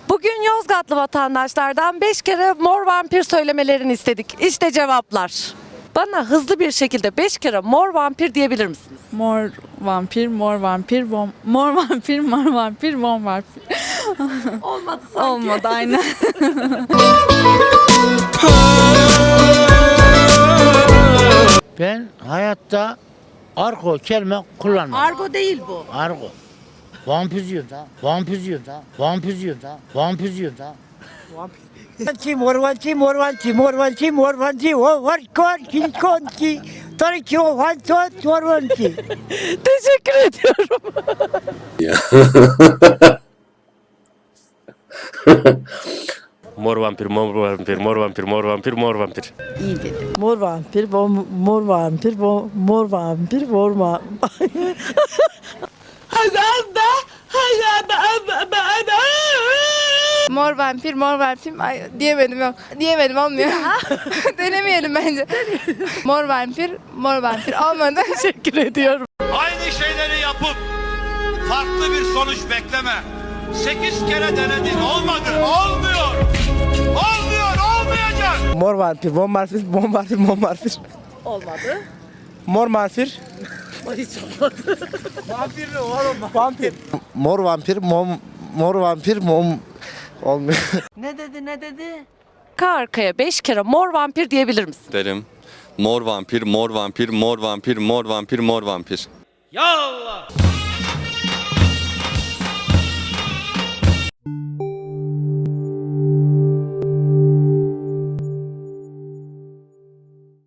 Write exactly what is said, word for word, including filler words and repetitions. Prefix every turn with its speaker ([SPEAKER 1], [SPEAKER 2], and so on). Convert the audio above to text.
[SPEAKER 1] Bugün Yozgatlı vatandaşlardan beş kere mor vampir söylemelerini istedik. İşte cevaplar. Bana hızlı bir şekilde beş kere mor vampir diyebilir misiniz?
[SPEAKER 2] Mor vampir, mor vampir, bom, mor vampir, mor vampir, mor vampir.
[SPEAKER 1] Olmadı sanki.
[SPEAKER 2] Olmadı aynen.
[SPEAKER 3] Ben hayatta argo kelime kullanmam.
[SPEAKER 1] Argo değil bu.
[SPEAKER 3] Argo. Vampir diyorum da. Vampir diyorum da. Vampir diyorum da. Vampir diyorum da.
[SPEAKER 4] Morvanci, morvanci, morvanci, morvanci, morvanci, o var konki, konki, tariki o vanci, morvanci.
[SPEAKER 1] Teşekkür ediyorum.
[SPEAKER 5] Mor vampir, mor vampir, mor vampir, mor vampir, mor vampir.
[SPEAKER 6] Mor vampir, bom, mor vampir, bom, mor vampir, mor vampir.
[SPEAKER 2] Mor vampir, mor vampir. Ay, diyemedim yok. Diyemedim olmuyor. Denemeyelim bence. Mor vampir, mor vampir. Olmadı.
[SPEAKER 1] Teşekkür ediyorum.
[SPEAKER 7] Aynı şeyleri yapıp farklı bir sonuç bekleme. Sekiz kere denedin, olmadı, olmuyor. Olmuyor, olmayacak.
[SPEAKER 4] Mor vampir, mor vampir, mor vampir, mor vampir.
[SPEAKER 1] Olmadı.
[SPEAKER 4] Mor vampir.
[SPEAKER 1] Hiç olmadı.
[SPEAKER 4] Vampir. Mor vampir, mor, mor vampir, mom olmuyor.
[SPEAKER 6] Ne dedi, ne dedi?
[SPEAKER 1] Arka arkaya beş kere mor vampir diyebilir misin?
[SPEAKER 8] Derim. Mor vampir, mor vampir, mor vampir, mor vampir, mor vampir.
[SPEAKER 7] Ya Allah!